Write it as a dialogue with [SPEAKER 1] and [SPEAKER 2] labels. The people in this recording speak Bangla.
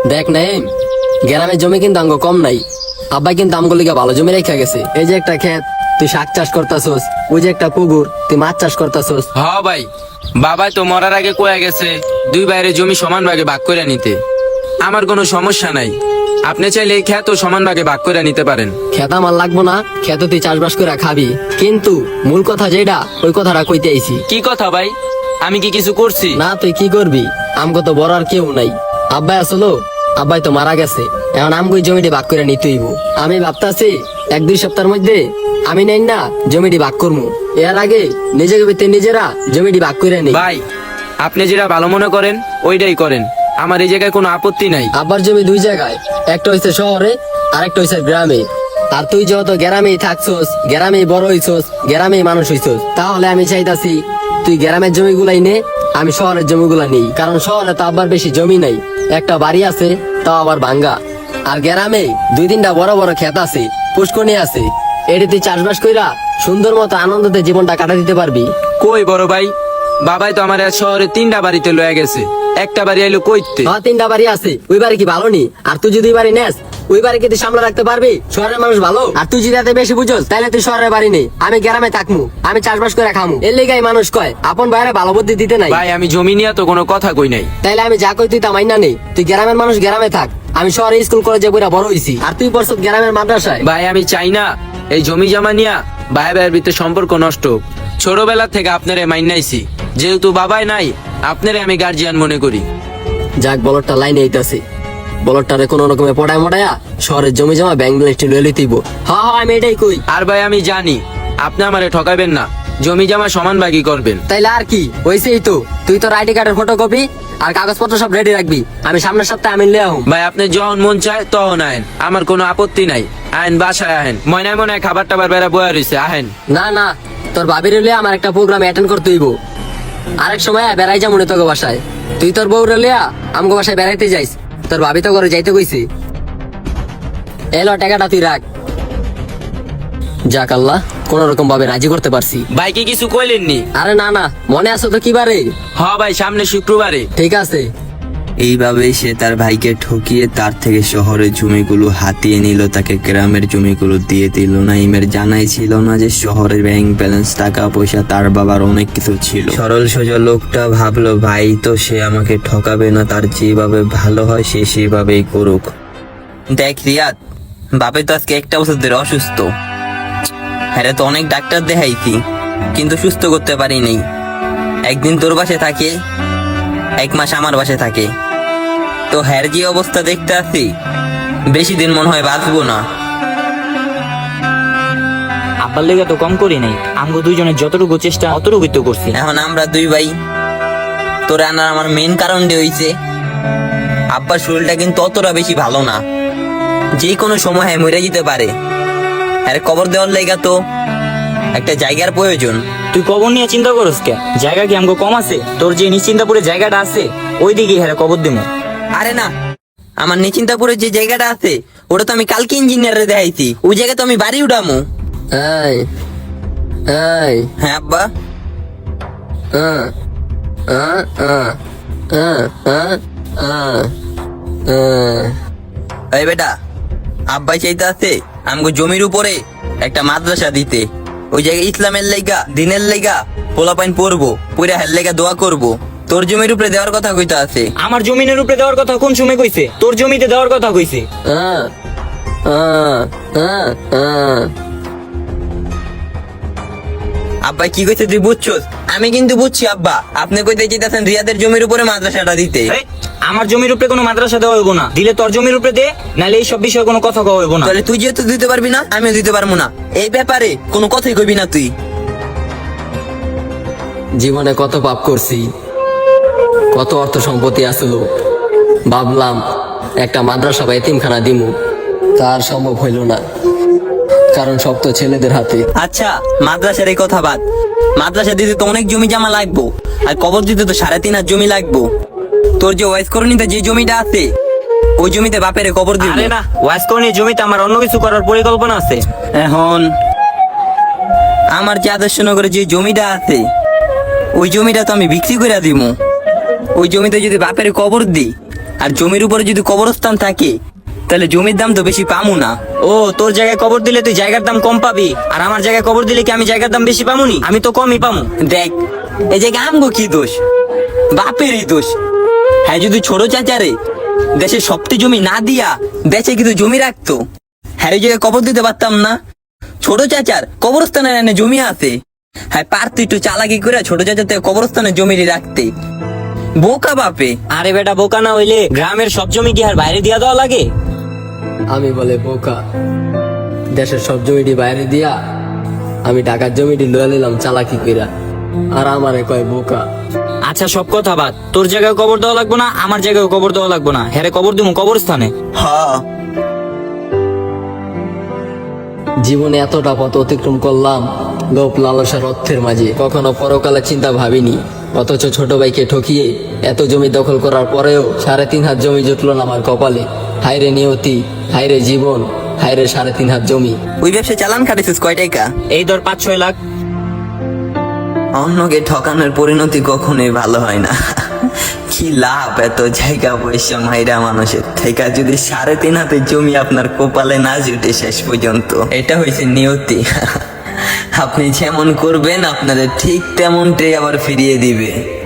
[SPEAKER 1] দেখ নাই, গ্রামের জমি কিন্তু আঙ্গ কম নাই। আব্বাই কিন্তু আমগুলো লিগা ভালো জমি রেখা গেছে। এই যে একটা ক্ষেত, তুই শাক চাষ করতাছস। ওই যে একটা পুকুর, তুই মাছ চাষ করতাছস।
[SPEAKER 2] হ ভাই, বাবা তো মরার আগে কয়ে গেছে দুই বাইরে জমি সমান ভাগে ভাগ করে নিতে। আমার কোনো সমস্যা নাই, আপনি চাইলে এই ক্ষেত সমান ভাগে ভাগ করে নিতে পারেন।
[SPEAKER 1] ক্ষেত আমার লাগবো না, ক্ষেত তুই চাষবাস করে খাবি। কিন্তু মূল কথা যেটা, ওই কথাটা কইতে আইছি।
[SPEAKER 2] কি কথা ভাই? আমি কি কিছু করছি?
[SPEAKER 1] না, তুই কি করবি? আমগো তো বড় আর কেউ নাই। আব্বাই আসলো, আব্বাই তো মারা গেছে। এখন আমগো জমিটি ভাগ করে নিতে হইব। আমি ভাবতাছি 1-2 সপ্তাহের মধ্যে আমি নেই না জমিটি ভাগ করবো। এর আগে নিজেকে ভিতরে নিজেরা জমিটি ভাগ করে নেই।
[SPEAKER 2] ভাই, আপনি যেটা ভালো মনে করেন ওইটাই করেন, আমার এই জায়গায় কোনো আপত্তি নাই।
[SPEAKER 1] আব্বার জমি 2 জায়গায়, একটা হইছে শহরে আর একটা হইছে গ্রামে। আর তুই যেহেতু গ্রামেই থাকছস, গ্রামেই বড় হইছস, গ্রামেই মানুষ হইছস, তাহলে আমি চাইতাছি তুই গ্রামের জমিগুলাই নে, আমি শহরের জমিগুলা নেই। কারণ শহরে তো আব্বার বেশি জমি নাই, একটা বাড়ি আছে, তাও আবার ভাঙ্গা। আর গ্রামে 2-3টা বড় বড় ক্ষেত আছে, পুষ্করণী আছে। এটি তুই চাষবাস কইরা সুন্দর মতো আনন্দতে জীবনটা কাটা দিতে পারবি।
[SPEAKER 2] কই বড় ভাই, বাবাই তো আমার শহরে 3টা বাড়িতে লয়ে গেছে, একটা বাড়ি আইলো কইতে।
[SPEAKER 1] 3টা বাড়ি আছে, ওই বাড়ি কি ভালো নি? আর তুই যদি ওই বাড়ি নেস, ওই বাড়ি কি তুই সামলা রাখতে পারবি? শহরের মানুষ ভালো, আর তুই যদি এত বেশি বুঝোস, তাহলে তুই শহরের বাড়ি নেই, আমি গ্রামে থাকমু, আমি চাষবাস করে খামু। এর লেগাই মানুষ কয় আপন বাইরে ভালো বুদ্ধি দিতে নাই।
[SPEAKER 2] ভাই, আমি জমি নিয়ে তো কোনো কথা কই নাই।
[SPEAKER 1] তাইলে আমি যা কই তুই তা মাইনা নেই। তুই গ্রামের মানুষ, গ্রামে থাক। আমি শহরে স্কুল কলেজে পড়া বড় হইছি, আর তুই পড়ছ গ্রামের মাদ্রাসায়।
[SPEAKER 2] ভাই, আমি চাই না এই জমি জমা নিয়া ভাই ভাইয়ের ভিতরে সম্পর্ক নষ্ট হোক। ছোটবেলা থেকে আপনারে মাইনাইছি, যেহেতু বাবাই নাই, আপনারে আমি গার্জিয়ান মনে করি।
[SPEAKER 1] যাক, বলরটা লাইনে আইতাছে। বলরটারে কোন রকমে পড়ায় মড়ায়া শহরের জমি জমা ব্যাংক ব্যালেন্সটি লয়ে লইতেইব। হ্যাঁ, আমি এটাই কই।
[SPEAKER 2] আর ভাই, আমি জানি আপনি আমারে ঠকাবেন না, জমি জমা সমান ভাগই করবেন।
[SPEAKER 1] তাইলে আর কি হইছেই তো, তুই তোর আইডি কার্ডের ফটোকপি আর কাগজপত্র সব রেডি রাখবি। আমি সামনের সপ্তাহে আমি লিয়ে আহু।
[SPEAKER 2] ভাই, আপনি যখন মন চায় তখন আহেন, আমার কোনো আপত্তি নাই। আহেন, বাসায় আহেন, ময়নায় মনে খাবার টাবার বেড়া বয়া রয়েছে, আহেন।
[SPEAKER 1] না না, তোর ভাবির লিয়া আমার একটা প্রোগ্রাম অ্যাটেন্ড করতে হইব। আরেক সময় বেড়াই যা মনে তোকে বাসায়। তুই তোর বউ লিয়া আমগো বাসায় বেড়াইতে যাইস, তোর ভাবি তো করে যাইতে কইছি। এলো টাকাটা তুই রাখ। যাক আল্লাহ, কোন রকম ভাবে রাজি করতে পারছি।
[SPEAKER 2] ভাই, কি কিছু কইলেননি?
[SPEAKER 1] আরে না না, মনে আছো তো? কি বারে?
[SPEAKER 2] হ ভাই, সামনে শুক্রবারে।
[SPEAKER 1] ঠিক আছে।
[SPEAKER 3] এইভাবেই সে তার ভাইকে ঠকিয়ে তার থেকে শহরের জমিগুলো হাতিয়ে নিল, তাকে গ্রামের জমিগুলো দিয়ে দিল। নাইমের জানাই ছিল না যে শহরের ব্যাংক ব্যালেন্স, টাকা পয়সা, তার বাবার অনেক কিছু ছিল। সরল সোজা লোকটা ভাবলো ভাই তো সে আমাকে ঠকাবে না, তার যেভাবে ভালো হয় সে সেভাবেই করুক। দেখ রিয়াদ, বাপে তো আজকে 1 বছর ধরে অসুস্থ। হ্যাঁ, তো অনেক ডাক্তার দেখাইছি কিন্তু সুস্থ করতে পারি নাই। একদিন তোর বাসে থাকে, 1 মাস আমার বাসে থাকে। তো হ্যার যে অবস্থা দেখতে আছি, বেশি দিন মনে হয় বাঁচবো না।
[SPEAKER 4] আব্বার লেগে তো কম করি নাই, আমগো দুইজনের যতটুকু চেষ্টা অতটুকুই তো করছি।
[SPEAKER 3] এখন আমরা 2 ভাই, তোর আনার আমার মেন কারণ হইছে আব্বার শরীরটা কিন্তু অতটা বেশি ভালো না, যে কোনো সময় মরে যেতে পারে। আর কবর দেওয়ার লেগা তো একটা জায়গার প্রয়োজন।
[SPEAKER 4] তুই কবর নিয়ে চিন্তা করস কে? জায়গা কি আমগো কম আছে? তোর যে নিশ্চিন্তাপুরে জায়গাটা আছে ওই দিকে হ্যাঁ কবর দিমু।
[SPEAKER 3] আরে না, আমার নিশ্চিন্তাপুরের যে জায়গাটা আছে ওটা তো আমি কালকে ইঞ্জিনিয়ারে দেখাইছি, ওই জায়গায় তো আমি বাড়ি উঠামু।
[SPEAKER 1] এই এই
[SPEAKER 3] হ্যাঁ আব্বা।
[SPEAKER 1] আহ, আহ, আহ, আহ, আহ, আহ, আহ।
[SPEAKER 3] এই বেটা, আব্বাই চাইতে আছে আমগো জমির উপরে একটা মাদ্রাসা দিতে। ওই জায়গায় ইসলামের লেগা, দিনের লেগা পোলাপাইন পড়বো, পুরা হের লেগা দোয়া করবো। তোর জমির উপরে দেওয়ার কথা কইতে আছে।
[SPEAKER 4] আমার জমিনের উপরে দেওয়ার কথা কোন সময় কইছে? তোর জমিতে দেওয়ার কথা কইছে।
[SPEAKER 1] আহ, আহ, আহ, আহ।
[SPEAKER 3] আব্বাই কি কইছে তুই বুঝছস? আমি কিন্তু বুঝছি আব্বা, আপনি কইতে চাইতেছেন রিয়াদের জমির উপরে মাদ্রাসাটা দিতে।
[SPEAKER 4] এই, আমার জমির উপরে কোনো মাদ্রাসা দেওয়া হইব না। দিলে তোর জমির উপরে দে, নাহলে এই সব বিষয়ে কোনো কথা কওয়া হইব না।
[SPEAKER 3] তাহলে তুই যেহেতু দিতে পারবি না, আমিও দিতে পারবো না। এই ব্যাপারে কোনো কথাই কইবি না তুই।
[SPEAKER 1] জীবনে কত পাপ করছি, কত অর্থ সম্পত্তি আসলো, ভাবলাম একটা মাদ্রাসা বা এতিমখানা দিমু, তার সম্ভব হইল না, কারণ সব তো ছেলেদের হাতে।
[SPEAKER 3] আচ্ছা, মাদ্রাসার এই কথা বাদ। মাদ্রাসা দিতে তো অনেক জমি জমা লাগবো, আর কবর দিতে তো 3.5 হাত জমি লাগবো। তোর যে ওয়াইস করণীতে যে জমিটা আছে ওই জমিতে বাপের কবর দিবি।
[SPEAKER 4] আরে না, ওয়াজ করনি জমিতে আমার অন্য কিছু করার পরিকল্পনা আছে।
[SPEAKER 3] এখন আমার যে আদর্শনগরে যে জমিটা আছে ওই জমিটা তো আমি বিক্রি করে দিব। ওই জমিতে যদি বাপের কবর দিই আর জমির উপরে যদি কবরস্থান থাকে তাহলে জমির দাম তো বেশি পামু না।
[SPEAKER 4] ও, তোর জায়গায় কবর দিলে তুই জায়গার দাম কম পাবি, আর আমার জায়গায় কবর দিলে কি আমি জায়গার দাম বেশি পামুনি? আমি তো কমই পামু।
[SPEAKER 3] দেখ, এই যে আমগো কি দোষ, বাপেরই দোষ। হ্যাঁ, যদি ছোট চাচারে দেশের সবটি জমি না দিয়া দেশে কিন্তু জমি রাখতো, হ্যাঁ এই জায়গায় কবর দিতে পারতাম না। ছোট চাচার কবরস্থানের এনে জমি আছে, হ্যাঁ পারতো একটু চালাকি করে ছোট চাচার থেকে কবরস্থানের জমি রাখতে। বোকা বাপে।
[SPEAKER 4] আরে বেটা, বোকা না হইলে গ্রামের সব জমি কি আর বাইরে দিয়া দেওয়া লাগে?
[SPEAKER 1] আমি বলে বোকা, দেশের সব জমিটি বাইরে দিয়া আমি ঢাকার জমিটি লয়ে নিলাম চালাকি কইরা, আর আমারে কয় বোকা।
[SPEAKER 4] আচ্ছা, সব কথা বাদ, তোর জায়গায় কবর দেওয়া লাগবো না, আমার জায়গায় কবর দেওয়া লাগবো না, হ্যাঁ কবর দিব কবরস্থানে।
[SPEAKER 3] হ্যাঁ,
[SPEAKER 1] জীবনে এতটা পথ অতিক্রম করলাম লোভ লালসার অর্থের মাঝে, কখনো পরকালে চিন্তা ভাবিনি। অথচ ছোট ভাইকে ঠকিয়ে এত জমি দখল করার পরেও 3.5 হাত জমি জুটলো না আমার কপালে। হায়রে নিয়তি, হায়রে জীবন, হায়রে 3.5 হাত জমি।
[SPEAKER 3] ওই ব্যবসা চালান খাটিছিস কয় টাকা?
[SPEAKER 4] এই ধর 5-6 লাখ।
[SPEAKER 3] অন্যকে ঠকানোর পরিণতি কখনোই ভালো হয় না। কি লাভ এত জায়গা পয়সা মাইরা মানুষের থেকে যদি 3.5 হাতের জমি আপনার কপালে না জুটে শেষ পর্যন্ত। এটা হয়েছে নিয়তি। আপনি যেমন করবেন আপনাদের ঠিক তেমনটাই আবার ফিরিয়ে দিবে।